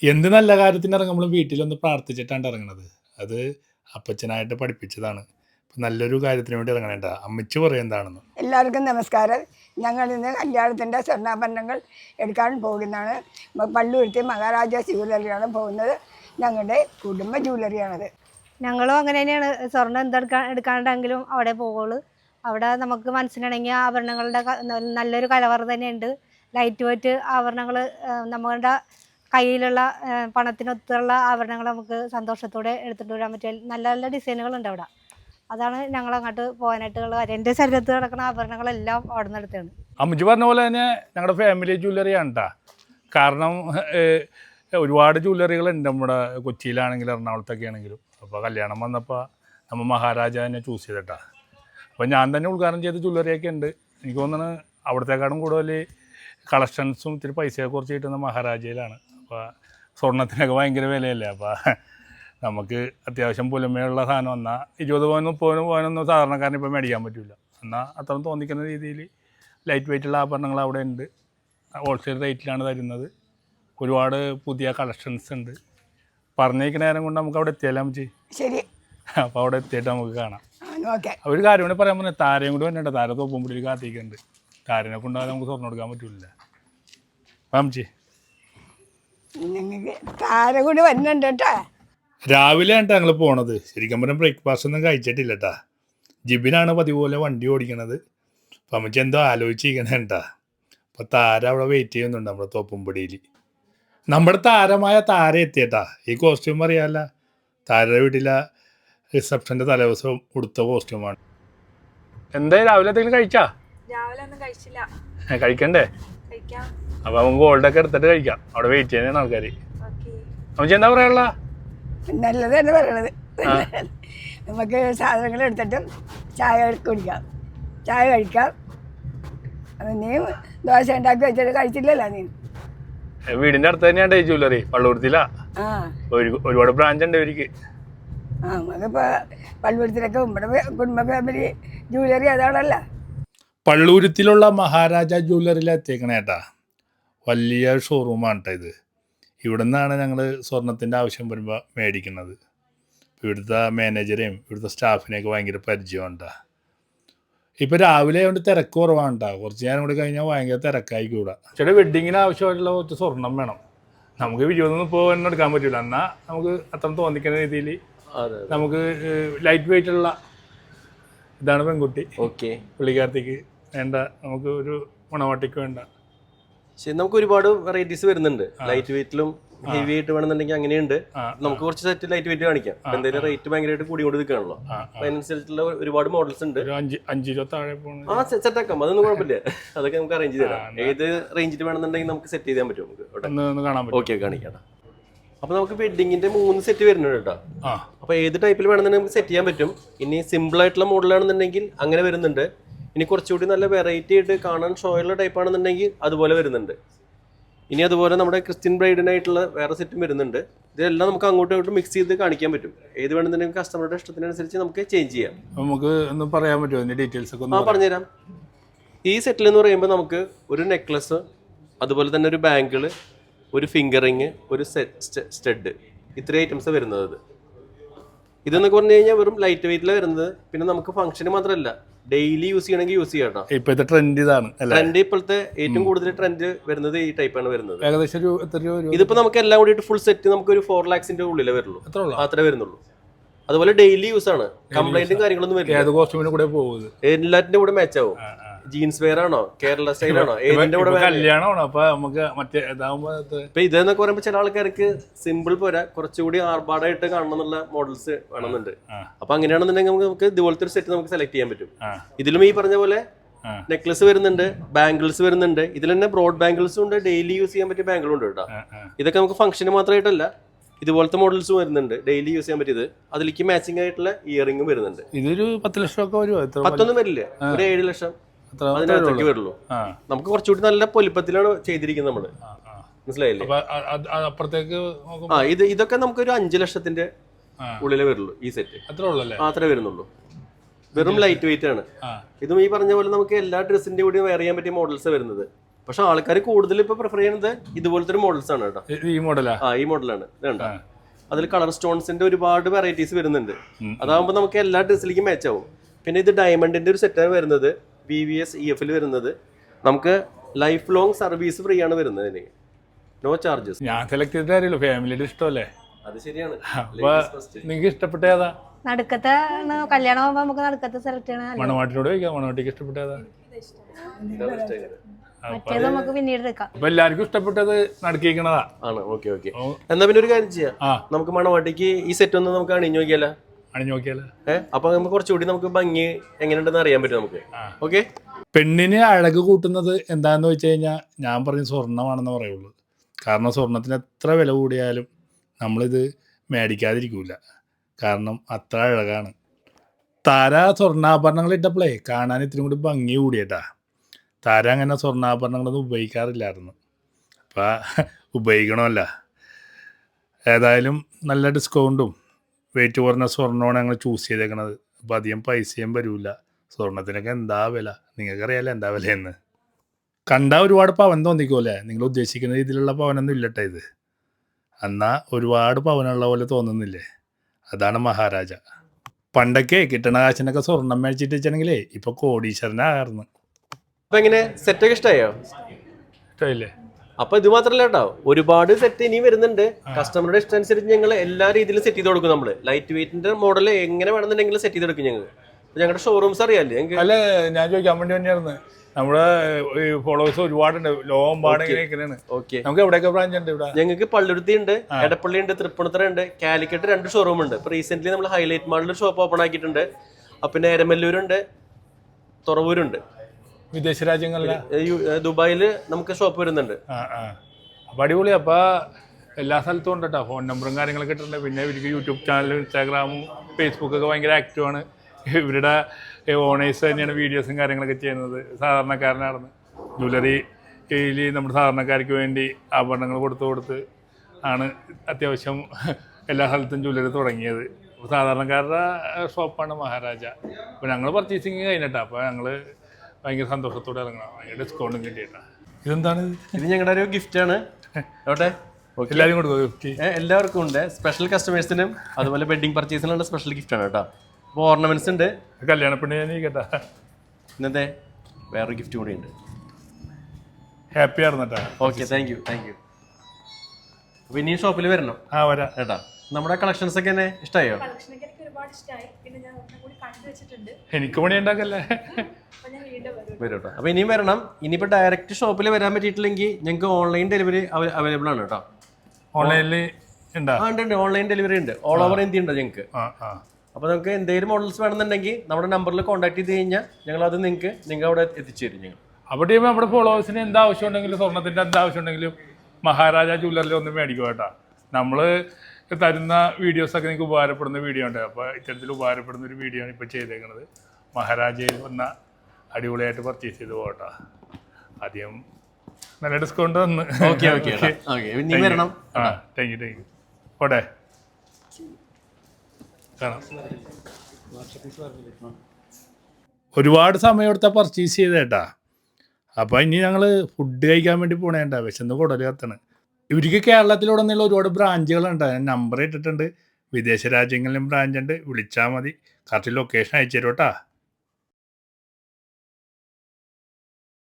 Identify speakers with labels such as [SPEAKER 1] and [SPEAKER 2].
[SPEAKER 1] എന്ത് നല്ല കാര്യത്തിന് ഇറങ്ങുമ്പോഴും വീട്ടിലൊന്ന് പ്രാർത്ഥിച്ചിട്ടാണ് ഇറങ്ങണത്. അത് അപ്പച്ചനായിട്ട് പഠിപ്പിച്ചതാണ്. നല്ലൊരു കാര്യത്തിന് വേണ്ടി ഇറങ്ങണേണ്ട അമ്മച്ചി പറയും എന്താണെന്ന്.
[SPEAKER 2] എല്ലാവർക്കും നമസ്കാരം. ഞങ്ങൾ ഇന്ന് കല്യാണത്തിൻ്റെ സ്വർണ്ണാഭരണങ്ങൾ എടുക്കാൻ പോകുന്നതാണ്. പള്ളുരുത്തി മഹാരാജാസ് ജ്വല്ലറിയാണ് പോകുന്നത്. ഞങ്ങളുടെ കുടുംബ ജ്വല്ലറിയാണത്.
[SPEAKER 3] ഞങ്ങളും അങ്ങനെ തന്നെയാണ്. സ്വർണ്ണം എടുക്കാണ്ടെങ്കിലും അവിടെ പോകുള്ളൂ. അവിടെ നമുക്ക് മനസ്സിനിണങ്ങിയ ആഭരണങ്ങളുടെ നല്ലൊരു കലവറ തന്നെയുണ്ട്. ലൈറ്റ് വെയിറ്റ് ആഭരണങ്ങൾ, നമ്മുടെ കയ്യിലുള്ള പണത്തിനൊത്തുള്ള ആഭരണങ്ങൾ നമുക്ക് സന്തോഷത്തോടെ എടുത്തിട്ട് വരാൻ പറ്റിയ നല്ല നല്ല ഡിസൈനുകളുണ്ട് അവിടെ. അതാണ് ഞങ്ങൾ അങ്ങോട്ട് പോകാനായിട്ടുള്ള കാര്യം. എൻ്റെ ശരീരത്തിൽ കിടക്കുന്ന ആഭരണങ്ങളെല്ലാം അവിടെ നിന്ന് എടുത്താണ്.
[SPEAKER 1] അമ്മച്ചി പറഞ്ഞ പോലെ തന്നെ ഞങ്ങളുടെ ഫാമിലി ജ്വല്ലറിയാണ് കേട്ടോ. കാരണം ഒരുപാട് ജ്വല്ലറികളുണ്ട് നമ്മുടെ കൊച്ചിയിലാണെങ്കിലും എറണാകുളത്തൊക്കെ ആണെങ്കിലും. അപ്പോൾ കല്യാണം വന്നപ്പോൾ നമ്മൾ മഹാരാജാവിനെ ചൂസ് ചെയ്തിട്ടാ. അപ്പോൾ ഞാൻ തന്നെ ഉദ്ഘാടനം ചെയ്ത ജ്വല്ലറിയൊക്കെ ഉണ്ട്. എനിക്ക് തോന്നുന്നത് അവിടത്തേക്കാളും കൂടുതൽ കളക്ഷൻസും ഇത്തിരി പൈസയൊക്കെ കുറച്ച് കിട്ടുന്ന മഹാരാജയിലാണ്. അപ്പോൾ സ്വർണ്ണത്തിനൊക്കെ ഭയങ്കര വിലയല്ലേ. അപ്പോൾ നമുക്ക് അത്യാവശ്യം പുലമയുള്ള സാധനം എന്നാൽ 20 പവനും 30 പവനൊന്നും സാധാരണക്കാരന് ഇപ്പോൾ മേടിക്കാൻ പറ്റില്ല. എന്നാൽ അത്രയും തോന്നിക്കുന്ന രീതിയിൽ ലൈറ്റ് വെയിറ്റുള്ള ആഭരണങ്ങൾ അവിടെ ഉണ്ട്. ഹോൾസെയിൽ റേറ്റിലാണ് തരുന്നത്. ഒരുപാട് പുതിയ കളക്ഷൻസ് ഉണ്ട്. പറഞ്ഞേക്കുന്ന നേരം കൊണ്ട് നമുക്ക് അവിടെ എത്തിയാലും അമ്മച്ചി. ശരി. അപ്പോൾ അവിടെ എത്തിയിട്ട് നമുക്ക് കാണാം. ഒരു കാര്യം കൂടി പറയാൻ പറഞ്ഞാൽ താരയും കൂടി വന്നിട്ട് താര തോപ്പുംപുള്ളിയിൽ കാത്തിക്കുന്നുണ്ട്. താരനെ കൊണ്ടാകാതെ നമുക്ക് സ്വർണ്ണം എടുക്കാൻ പറ്റില്ല. അമ്മച്ചി
[SPEAKER 2] താര കൂടി വരുന്നുണ്ട് കേട്ടോ.
[SPEAKER 1] രാവിലെ ആയിട്ടാണ് ഞങ്ങൾ പോണത്. ശരിക്കും പറഞ്ഞാൽ ബ്രേക്ക്ഫാസ്റ്റ് ഒന്നും കഴിച്ചിട്ടില്ല കേട്ടാ. ജിബിനാണ് പതിപോലെ വണ്ടി ഓടിക്കണത്. അപ്പം അമ്മച്ചി എന്തോ ആലോചിച്ചിരിക്കണേട്ടാ. അപ്പോൾ താര അവിടെ വെയിറ്റ് ചെയ്യുന്നുണ്ട് നമ്മുടെ തോപ്പുംപടിയിൽ. നമ്മുടെ താരമായ താര എത്തിയേട്ടാ. ഈ കോസ്റ്റ്യൂം അറിയാമല്ല, താരയുടെ വീട്ടിലെ റിസപ്ഷൻ്റെ തലേദിവസം ഉടുത്ത കോസ്റ്റ്യൂമാണ്. എന്തായാലും രാവിലെ എന്തെങ്കിലും കഴിച്ചാ?
[SPEAKER 4] രാവിലെ ഒന്നും കഴിച്ചില്ല.
[SPEAKER 1] കഴിക്കണ്ടേ?
[SPEAKER 4] കഴിക്കാം.
[SPEAKER 1] അപ്പോൾ നമുക്ക് ഗോൾഡൊക്കെ എടുത്തിട്ട് കഴിക്കാം. അവിടെ വെയിറ്റ് ചെയ്യുന്നതാണ് ആൾക്കാർ. അമ്മച്ചി എന്താ പറയാനുള്ള?
[SPEAKER 2] നല്ലത് തന്നെ പറയണത്. നമുക്ക് സാധനങ്ങൾ എടുത്തിട്ടും ചായ കുടിക്കാം, ചായ കഴിക്കാം. നീ ദോശ ഉണ്ടാക്കി വെച്ചിട്ട് കഴിച്ചില്ലല്ലോ നീ.
[SPEAKER 1] വീടിന്റെ അടുത്ത് തന്നെയാണ് ഈ ജ്വല്ലറി. പള്ളുരുത്തിലാ. ഒരുപാട് ബ്രാഞ്ച് ഉണ്ട് ഇവർക്ക്.
[SPEAKER 2] നമുക്കിപ്പോ പള്ളുരുത്തിലൊക്കെ നമ്മുടെ കുടുംബ ഫാമിലി ജ്വല്ലറി അതാണല്ല.
[SPEAKER 1] പള്ളുരുത്തിലുള്ള മഹാരാജ ജ്വല്ലറിയിൽ എത്തിയേക്കണേട്ടാ. വലിയ ഷോറൂമാണ് കേട്ടോ ഇത്. ഇവിടെ നിന്നാണ് ഞങ്ങൾ സ്വർണത്തിൻ്റെ ആവശ്യം വരുമ്പോൾ മേടിക്കുന്നത്. ഇവിടുത്തെ മാനേജറെയും ഇവിടുത്തെ സ്റ്റാഫിനെയൊക്കെ ഭയങ്കര പരിചയമുണ്ടാ. ഇപ്പോൾ രാവിലെ ആയതുകൊണ്ട് തിരക്ക് കുറവാണ് കേട്ടോ. കുറച്ച് നേരം കൂടി കഴിഞ്ഞാൽ ഭയങ്കര തിരക്കായിക്കൂടാ. ചേട്ടാ വെഡ്ഡിങ്ങിന് ആവശ്യമായിട്ടുള്ള കുറച്ച് സ്വർണം വേണം. നമുക്ക് 20 ഒന്നും എടുക്കാൻ പറ്റില്ല. എന്നാൽ നമുക്ക് അത്ര തോന്നിക്കുന്ന രീതിയിൽ നമുക്ക് ലൈറ്റ് വെയിറ്റ് ഉള്ള ഇതാണ് പെൺകുട്ടി. ഓക്കെ. പുള്ളിക്കാരത്തേക്ക് വേണ്ട, നമുക്ക് ഒരു മണവാട്ടിക്ക് വേണ്ട.
[SPEAKER 5] ശരി, നമുക്ക് ഒരുപാട് വെറൈറ്റീസ് വരുന്നുണ്ട്. ലൈറ്റ് വെയിറ്റിലും ഹെവി ആയിട്ട് വേണമെന്നുണ്ടെങ്കിൽ അങ്ങനെയുണ്ട്. നമുക്ക് കുറച്ച് സെറ്റ് ലൈറ്റ് വെയിറ്റ് കാണിക്കാം. എന്തായാലും റേറ്റ് ഭയങ്കരമായിട്ട് കൂടി കൊണ്ട് നിൽക്കുകയാണല്ലോ. അപ്പൊ അതിനനുസരിച്ചുള്ള ഒരുപാട് മോഡൽസ് ഉണ്ട്.
[SPEAKER 1] 5 താഴെ
[SPEAKER 5] സെറ്റ് ആക്കാം, അതൊന്നും കുഴപ്പമില്ല. അതൊക്കെ നമുക്ക് അറേഞ്ച് ചെയ്ത് തരാം. ഏത് റേഞ്ചിൽ വേണമെന്നുണ്ടെങ്കിൽ നമുക്ക് സെറ്റ് ചെയ്യാൻ പറ്റും. നമുക്ക് ഓക്കെ കാണിക്കാം. അപ്പൊ നമുക്ക് വെഡിങ്ങിന്റെ 3 സെറ്റ് വരുന്നുണ്ട് കേട്ടോ. അപ്പൊ ഏത് ടൈപ്പിൽ വേണമെന്നുണ്ടെങ്കിൽ നമുക്ക് സെറ്റ് ചെയ്യാൻ പറ്റും. ഇനി സിമ്പിൾ ആയിട്ടുള്ള മോഡലാണെന്നുണ്ടെങ്കിൽ അങ്ങനെ വരുന്നുണ്ട്. ഇനി കുറച്ചുകൂടി നല്ല വെറൈറ്റി ആയിട്ട് കാണാൻ ഷോയുള്ള ടൈപ്പ് ആണെന്നുണ്ടെങ്കിൽ അതുപോലെ വരുന്നുണ്ട്. ഇനി അതുപോലെ നമ്മുടെ ക്രിസ്ത്യൻ ബ്രൈഡിനായിട്ടുള്ള വേറെ സെറ്റും വരുന്നുണ്ട്. ഇതെല്ലാം നമുക്ക് അങ്ങോട്ടും ഇങ്ങോട്ടും മിക്സ് ചെയ്ത് കാണിക്കാൻ പറ്റും. ഏത് വേണമെന്നുണ്ടെങ്കിൽ കസ്റ്റമറുടെ ഇഷ്ടത്തിനനുസരിച്ച് നമുക്ക് ചേഞ്ച് ചെയ്യാം.
[SPEAKER 1] നമുക്ക് ഒന്ന് പറയാൻ പറ്റുമോ അതിന്റെ ഡീറ്റെയിൽസ് ഒക്കെ?
[SPEAKER 5] പറഞ്ഞുതരാം. ഈ സെറ്റിൽ എന്ന് പറയുമ്പോൾ നമുക്ക് ഒരു നെക്ലസ്, അതുപോലെ തന്നെ ഒരു ബാങ്കിള്, ഒരു ഫിംഗർ റിങ്, ഒരു സ്റ്റഡ്, ഇത്രയും ഐറ്റംസ് വരുന്നത്. ഇതെന്നൊക്കെ പറഞ്ഞു കഴിഞ്ഞാൽ വെറും ലൈറ്റ് വെയിറ്റിലാണ് വരുന്നത്. പിന്നെ നമുക്ക് ഫംഗ്ഷന് മാത്രമല്ല, ഡെയിലി യൂസ് ചെയ്യണമെങ്കിൽ യൂസ് ചെയ്യാം കേട്ടോ.
[SPEAKER 1] ഇപ്പോഴത്തെ ട്രെൻഡ് ഇതാണ്.
[SPEAKER 5] ട്രെൻഡ് ഇപ്പോഴത്തെ ഏറ്റവും കൂടുതൽ ട്രെൻഡ് വരുന്നത് ഈ ടൈപ്പാണ് വരുന്നത്.
[SPEAKER 1] ഏകദേശം
[SPEAKER 5] ഇതിപ്പോ നമുക്ക് എല്ലാം കൂടിയിട്ട് ഫുൾ സെറ്റ് നമുക്ക് ഒരു 4 lakhs ഉള്ളിലേ വരുള്ളൂ. അത്രേ വരുന്നുള്ളൂ. അതുപോലെ ഡെയിലി യൂസ് ആണ്. കംപ്ലൈന്റും കാര്യങ്ങളൊന്നും വരില്ല. എല്ലാറ്റിന്റെ കൂടെ മാച്ച് ആവും. ജീൻസ് വെയർ ആണോ, കേരള സ്റ്റൈൽ ആണോ, ഏതിന്റെ കൂടെ
[SPEAKER 1] കല്യാണമാണോ? അപ്പൊ നമുക്ക്
[SPEAKER 5] ഇപ്പൊ ഇതെന്നൊക്കെ പറയുമ്പോ ചില ആൾക്കാർക്ക് സിമ്പിൾ പോരാ, കുറച്ചുകൂടി ആർഭാടായിട്ട് കാണണം എന്നുള്ള മോഡൽസ് വേണമെന്നുണ്ട്. അപ്പൊ അങ്ങനെയാണെന്നുണ്ടെങ്കിൽ നമുക്ക് ഇതുപോലത്തെ ഒരു സെറ്റ് നമുക്ക് സെലക്ട് ചെയ്യാൻ പറ്റും. ഇതിലും ഈ പറഞ്ഞ പോലെ നെക്ലസ് വരുന്നുണ്ട്, ബാംഗിൾസ് വരുന്നുണ്ട്. ഇതിൽ തന്നെ ബ്രോഡ് ബാംഗിൾസും ഉണ്ട്, ഡെയിലി യൂസ് ചെയ്യാൻ പറ്റിയ ബാംഗിളും ഉണ്ട് കേട്ടോ. ഇതൊക്കെ നമുക്ക് ഫംഗ്ഷന് മാത്രമായിട്ടല്ല, ഇതുപോലത്തെ മോഡൽസും വരുന്നുണ്ട്, ഡെയിലി യൂസ് ചെയ്യാൻ പറ്റിയത്. അതിലേക്ക് മാച്ചിങ് ആയിട്ടുള്ള ഇയറിംഗും വരുന്നുണ്ട്.
[SPEAKER 1] ഇതൊരു 10 ലക്ഷം ഒക്കെ വരുമോ?
[SPEAKER 5] 10 വരില്ല, ഒരു 7 ലക്ഷം അതിനകത്തേക്ക് വരുള്ളൂ. നമുക്ക് കുറച്ചുകൂടി നല്ല പൊലിപ്പത്തിലാണ് ചെയ്തിരിക്കുന്നത് നമ്മള്. മനസ്സിലായില്ലേ? ഇതൊക്കെ നമുക്ക് ഒരു 5 ലക്ഷത്തിന്റെ ഉള്ളിലേ വരുള്ളൂ ഈ സെറ്റ്. അത്രേ വരുന്നുള്ളൂ. വെറും ലൈറ്റ് വെയിറ്റ് ആണ്. ഇതും ഈ പറഞ്ഞ പോലെ നമുക്ക് എല്ലാ ഡ്രസ്സിന്റെ കൂടി വെയർ ചെയ്യാൻ പറ്റിയ മോഡൽസ് വരുന്നത്. പക്ഷെ ആൾക്കാർ കൂടുതൽ ഇപ്പൊ പ്രിഫർ ചെയ്യുന്നത് ഇതുപോലത്തെ ഒരു മോഡൽസ് ആണ് കേട്ടോ.
[SPEAKER 1] ഈ മോഡലാ?
[SPEAKER 5] ഈ മോഡലാണ് വേണ്ട. അതിൽ കളർ സ്റ്റോൺസിന്റെ ഒരുപാട് വെറൈറ്റീസ് വരുന്നുണ്ട്. അതാകുമ്പോൾ നമുക്ക് എല്ലാ ഡ്രസ്സിലേക്കും മാച്ച് ആവും. പിന്നെ ഇത് ഡയമണ്ടിന്റെ ഒരു സെറ്റാണ് വരുന്നത്, VVS EF വരുന്നത്. നമുക്ക് ലൈഫ് ലോങ് സർവീസ് ഫ്രീ ആണ് വരുന്നത്, നോ ചാർജസ്.
[SPEAKER 1] ഞാൻ സെലക്ട് ചെയ്തിട്ട് കാര്യമല്ലോ, ഫാമിലിയുടെ ഇഷ്ടമല്ലേ.
[SPEAKER 5] അത് ശരിയാണ്.
[SPEAKER 1] അപ്പൊ നിങ്ങൾക്ക് ഇഷ്ടപ്പെട്ട ഏതാ?
[SPEAKER 3] നടുക്കത്തെ കല്യാണം ആകുമ്പോ നമുക്ക് നടുക്കത്തെ സെലക്ട് ചെയ്യണം.
[SPEAKER 1] മണവാട്ടിനോട് ചോദിക്കാം, മണവാട്ടിക്ക് ഇഷ്ടപ്പെട്ട ഏതാ?
[SPEAKER 3] മറ്റേത് നമുക്ക് പിന്നീട് എടുക്കാം.
[SPEAKER 1] അപ്പൊ എല്ലാവർക്കും ഇഷ്ടപ്പെട്ടത് നടുക്കിക്കണതാ
[SPEAKER 5] ആണ്. Okay okay. എന്നാ പിന്നെ ഒരു കാര്യം ചെയ്യാം, നമുക്ക് മണവാട്ടിക്ക് ഈ സെറ്റ് ഒന്ന് നമുക്ക് അണിഞ്ഞു നോക്കിയാലോ?
[SPEAKER 1] അണിഞ്ഞു നോക്കിയാലോ?
[SPEAKER 5] അപ്പൊ നമുക്ക് കുറച്ചുകൂടി നമുക്ക് ഭംഗി എങ്ങനെയുണ്ടെന്ന് അറിയാൻ പറ്റും നമുക്ക്. ഓക്കെ.
[SPEAKER 1] പെണ്ണിന് അഴക് കൂട്ടുന്നത് എന്താന്ന് വെച്ച് കഴിഞ്ഞാൽ ഞാൻ പറഞ്ഞ സ്വർണ്ണമാണെന്ന് പറയുള്ളൂ. കാരണം സ്വർണത്തിന് എത്ര വില കൂടിയാലും നമ്മളിത് മേടിക്കാതിരിക്കൂല, കാരണം അത്ര അഴകാണ്. താര സ്വർണ്ണാഭരണങ്ങൾ ഇട്ടപ്പോഴേ കാണാൻ ഇത്തിരി കൂടി ഭംഗി കൂടിയേട്ടാ. താര അങ്ങനെ സ്വർണ്ണാഭരണങ്ങളൊന്നും ഉപയോഗിക്കാറില്ലായിരുന്നു, അപ്പം ഉപയോഗിക്കണമല്ല. ഏതായാലും നല്ല ഡിസ്കൗണ്ടും വെയിറ്റ് കുറഞ്ഞ സ്വർണ്ണമാണ് ഞങ്ങൾ ചൂസ് ചെയ്തേക്കണത്. അപ്പോൾ അധികം പൈസയും വരില്ല. സ്വർണത്തിനൊക്കെ എന്താ വില, നിങ്ങൾക്കറിയാലോ എന്താ വിലയെന്ന്. കണ്ടാൽ ഒരുപാട് പവൻ തോന്നിക്കുമല്ലേ, നിങ്ങൾ ഉദ്ദേശിക്കുന്ന രീതിയിലുള്ള പവനൊന്നും ഇല്ലട്ടെ ഇത്. എന്നാൽ ഒരുപാട് പവനുള്ള പോലെ തോന്നുന്നില്ലേ, അതാണ് മഹാരാജ. പണ്ടൊക്കെ കിട്ടണ കാശിനൊക്കെ സ്വർണം മേടിച്ചിട്ട് വെച്ചിട്ടുണ്ടെങ്കിലേ ഇപ്പോൾ കോടീശ്വരനായിരുന്നു.
[SPEAKER 5] അപ്പൊ എങ്ങനെ സെറ്റൊക്കെ ഇഷ്ടമായോ?
[SPEAKER 1] ഇഷ്ടമില്ലേ?
[SPEAKER 5] അപ്പൊ ഇത് മാത്രല്ല കേട്ടോ, ഒരുപാട് സെറ്റ് ഇനി വരുന്നുണ്ട്. കസ്റ്റമറുടെ ഇഷ്ടം അനുസരിച്ച് ഞങ്ങൾ എല്ലാ രീതിയിലും സെറ്റ് ചെയ്ത് കൊടുക്കും. നമ്മള് ലൈറ്റ് വെയിറ്റിന്റെ മോഡൽ എങ്ങനെ വേണമെന്നുണ്ടെങ്കിൽ സെറ്റ് ചെയ്ത് കൊടുക്കും ഞങ്ങൾ. ഞങ്ങളുടെ ഷോറൂംസ് അറിയാല്ലേ?
[SPEAKER 1] അല്ല, ഞാൻ ചോദിക്കാൻ വേണ്ടി തന്നെയായിരുന്നു. നമ്മുടെ ഫോളോവേഴ്സ് ഒരുപാടുണ്ട്, ലോകമ്പാട് ഇങ്ങനെയാണ്.
[SPEAKER 5] ഓക്കെ.
[SPEAKER 1] നമുക്ക് എവിടെയൊക്കെ ബ്രാഞ്ച് ഉണ്ട്? ഇവിടെ
[SPEAKER 5] ഞങ്ങൾക്ക് പള്ളുരുത്തി ഉണ്ട്, എടപ്പള്ളി ഉണ്ട്, തൃപ്പൂണിത്തുറ ഉണ്ട്, കാലിക്കറ്റ് 2 ഷോറൂം ഉണ്ട്. ഇപ്പൊ റീസെന്റ് നമ്മൾ ഹൈലൈറ്റ് മാളിൽ ഷോപ്പ് ഓപ്പൺ ആക്കിയിട്ടുണ്ട്. പിന്നെ എരമല്ലൂരുണ്ട്, തുറവൂരുണ്ട്.
[SPEAKER 1] വിദേശ രാജ്യങ്ങളിലെ
[SPEAKER 5] ദുബായിൽ നമുക്ക് ഷോപ്പ് വരുന്നുണ്ട്.
[SPEAKER 1] അപ്പം അടിപൊളി. അപ്പോൾ എല്ലാ സ്ഥലത്തും ഉണ്ട് കേട്ടോ, ഫോൺ നമ്പറും കാര്യങ്ങളൊക്കെ ഇട്ടിട്ടുണ്ട്. പിന്നെ ഇവർക്ക് യൂട്യൂബ് ചാനലും ഇൻസ്റ്റാഗ്രാമും ഫേസ്ബുക്കൊക്കെ ഭയങ്കര ആക്റ്റീവാണ്. ഇവരുടെ ഓണേഴ്സ് തന്നെയാണ് വീഡിയോസും കാര്യങ്ങളൊക്കെ ചെയ്യുന്നത്. സാധാരണക്കാരനാണ്. ജ്വല്ലറിയിൽ നമ്മുടെ സാധാരണക്കാർക്ക് വേണ്ടി ആഭരണങ്ങൾ കൊടുത്ത് ആണ് അത്യാവശ്യം എല്ലാ സ്ഥലത്തും ജ്വല്ലറി തുടങ്ങിയത്. സാധാരണക്കാരുടെ ഷോപ്പാണ് മഹാരാജ. അപ്പോൾ ഞങ്ങൾ പർച്ചേസിങ് കഴിഞ്ഞിട്ടാണ്. അപ്പോൾ ഞങ്ങൾ ഭയങ്കര സന്തോഷത്തോടെ ഇറങ്ങണം, ഭയങ്കര ഡിസ്കൗണ്ടും കിട്ടിയിട്ടാണ്. ഇതെന്താണ്?
[SPEAKER 5] ഇത് ഞങ്ങളുടെ ഒരു ഗിഫ്റ്റാണ്. ഓട്ടെ,
[SPEAKER 1] എല്ലാവരും കൊടുക്കും?
[SPEAKER 5] എല്ലാവർക്കും ഉണ്ട്. സ്പെഷ്യൽ കസ്റ്റമേഴ്സിനും അതുപോലെ വെഡിങ് പർച്ചേസിനുള്ള സ്പെഷ്യൽ ഗിഫ്റ്റാണ് കേട്ടോ. അപ്പോൾ ഓർണമെന്റ്സ് ഉണ്ട്.
[SPEAKER 1] കല്യാണപ്പെണ്ണി ഞാൻ കേട്ടാ.
[SPEAKER 5] ഇന്നത്തെ വേറൊരു ഗിഫ്റ്റ് കൂടി ഉണ്ട്.
[SPEAKER 1] ഹാപ്പി ആയിരുന്നട്ടാ.
[SPEAKER 5] Okay, thank you. അപ്പോൾ ഇനി ഷോപ്പിൽ വരണം.
[SPEAKER 1] വരാം
[SPEAKER 5] കേട്ടാ. നമ്മുടെ കളക്ഷൻസ് ഒക്കെ എന്നെ ഇഷ്ടമായോ?
[SPEAKER 4] കളക്ഷനൊക്കെ എനിക്ക് ഒരുപാട് ഇഷ്ടമായി. പിന്നെ ഞാൻ ഒന്നും കൂടി കണ്ടു വെച്ചിട്ടുണ്ട്.
[SPEAKER 1] എനിക്ക് പണി ഉണ്ടാക്കല്ലേ.
[SPEAKER 4] അപ്പൊ ഞാൻ വീണ്ടും വരും.
[SPEAKER 5] വരും കേട്ടോ. അപ്പോൾ ഇനിയും വരണം. ഇനിയിപ്പോൾ ഡയറക്റ്റ് ഷോപ്പിൽ വരാൻ പറ്റിയിട്ടില്ലെങ്കിൽ ഞങ്ങൾക്ക് ഓൺലൈൻ ഡെലിവറി അവൈലബിൾ ആണ് കേട്ടോ.
[SPEAKER 1] ഓൺലൈനിൽ ഉണ്ടോ?
[SPEAKER 5] ഉണ്ട്, ഓൺലൈൻ ഡെലിവറി ഉണ്ട്. ഓൾ ഓവർ ഇന്ത്യ ഉണ്ട് ഞങ്ങൾക്ക്. അപ്പോൾ നമുക്ക് എന്തെങ്കിലും മോഡൽസ് വേണമെന്നുണ്ടെങ്കിൽ നമ്മുടെ നമ്പറിൽ കോൺടാക്ട് ചെയ്ത് കഴിഞ്ഞാൽ ഞങ്ങൾ അത് നിങ്ങൾ അവിടെ എത്തിച്ചു തരും ഞങ്ങൾ.
[SPEAKER 1] അപ്പോൾ ടീം നമ്മുടെ ഫോളോവേഴ്സിന് എന്താ ആവശ്യം ഉണ്ടെങ്കിലും സ്വർണ്ണത്തിൻ്റെ എന്താ ആവശ്യം ഉണ്ടെങ്കിലും മഹാരാജ ജ്വല്ലറിൽ ഒന്ന് മേടിക്കും കേട്ടോ. നമ്മൾ തരുന്ന വീഡിയോസൊക്കെ നിങ്ങൾക്ക് ഉപകാരപ്പെടുന്ന വീഡിയോ ഉണ്ട്. അപ്പോൾ ഇത്തരത്തിൽ ഉപകാരപ്പെടുന്ന ഒരു വീഡിയോ ആണ് ഇപ്പോൾ ചെയ്തേക്കുന്നത്. മഹാരാജയിൽ വന്ന അടിപൊളിയായിട്ട് പർച്ചേസ് ചെയ്ത് പോകട്ടോ. ആദ്യം നല്ല ഡിസ്കൗണ്ട് തന്ന്.
[SPEAKER 5] ഓക്കെ.
[SPEAKER 1] Thank you. ഓട്ടെ കാണാം. ഒരുപാട് സമയം എടുത്താൽ പർച്ചേസ് ചെയ്തേട്ടാ. അപ്പോൾ ഇനി ഞങ്ങൾ ഫുഡ് കഴിക്കാൻ വേണ്ടി പോണേണ്ട, വിശന്ന് കുടൽ കത്താണ്. ഇവർക്ക് കേരളത്തിലുടനീളം ഒരുപാട് ബ്രാഞ്ചുകളുണ്ട്. ഞാൻ നമ്പർ ഇട്ടിട്ടുണ്ട്. വിദേശ രാജ്യങ്ങളിലും ബ്രാഞ്ചുണ്ട്, വിളിച്ചാൽ മതി. കറക്റ്റ് ലൊക്കേഷൻ അയച്ചു തരും കേട്ടോ.